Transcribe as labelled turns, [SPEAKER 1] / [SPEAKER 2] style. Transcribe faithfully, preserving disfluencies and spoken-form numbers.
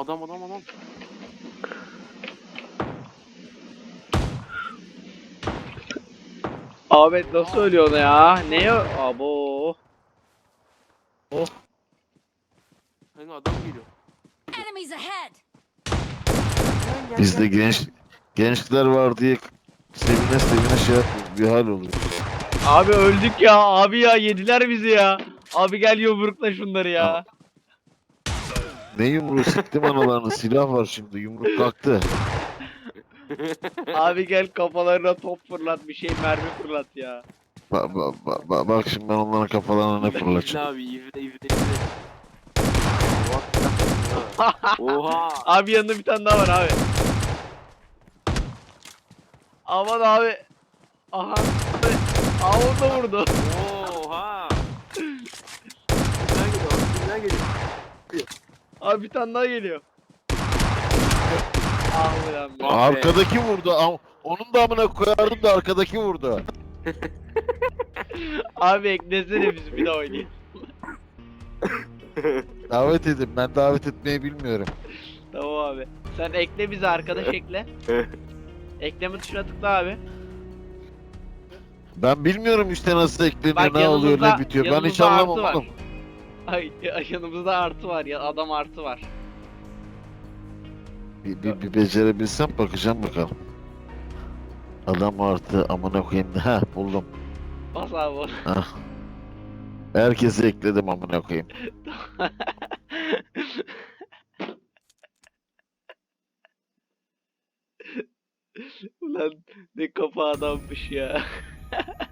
[SPEAKER 1] adam adam adam.
[SPEAKER 2] Ahmet nasıl ölüyor ona ya? Ne o? Abo. Oh.
[SPEAKER 1] Hani adam geliyor.
[SPEAKER 3] Enemies ahead!
[SPEAKER 1] Gel, gel,
[SPEAKER 4] Bizde
[SPEAKER 1] gel.
[SPEAKER 4] genç gençler var diye sevine sevine şey yapıyor. Bir hal oluyor.
[SPEAKER 2] Abi öldük ya. Abi ya yediler bizi ya. Abi gel yumrukla şunları ya.
[SPEAKER 4] Ne yumruğu siktim analarını. Silah var şimdi. Yumruk kalktı.
[SPEAKER 2] Abi gel kafalarına top fırlat, bir şey mermi fırlat ya.
[SPEAKER 4] Ba, ba, ba, ba- bak şimdi ben onların kafalarına ne
[SPEAKER 1] İzle
[SPEAKER 4] fırlatacağım.
[SPEAKER 1] abi, izle izle izle. Oha.
[SPEAKER 2] Abi yanında bir tane daha var abi. Aman abi. Aha. Aa onu da vurdu.
[SPEAKER 1] Oha. Kimler geliyor? Kimler geliyor?
[SPEAKER 2] Abi bir tane daha geliyor. Ah ulan be.
[SPEAKER 1] Ah be.
[SPEAKER 4] Arkadaki vurdu. Am- Onun da amına koyardım da arkadaki vurdu.
[SPEAKER 2] Abi eklesene biz bir daha oynayalım.
[SPEAKER 4] Davet edin. Ben davet etmeyi bilmiyorum.
[SPEAKER 2] Tamam abi. Sen ekle bizi, arkadaş ekle. Ekleme tuşuna tıkla abi.
[SPEAKER 4] Ben bilmiyorum işte nasıl ekleniyor,
[SPEAKER 2] Bak
[SPEAKER 4] ne oluyor,
[SPEAKER 2] yanımızda-
[SPEAKER 4] ne bitiyor. Ben hiç
[SPEAKER 2] yanımızda
[SPEAKER 4] anlamam
[SPEAKER 2] artı var.
[SPEAKER 4] oğlum.
[SPEAKER 2] Ay ay, yanımızda artı var ya, adam artı var.
[SPEAKER 4] Bir, bir, bir becerebilsem bakacağım bakalım. Adam artı amına koyayım. Ha buldum.
[SPEAKER 2] Bas abi onu.
[SPEAKER 4] Ah. Herkesi ekledim amına koyayım.
[SPEAKER 2] Ulan ne kafa adammış ya.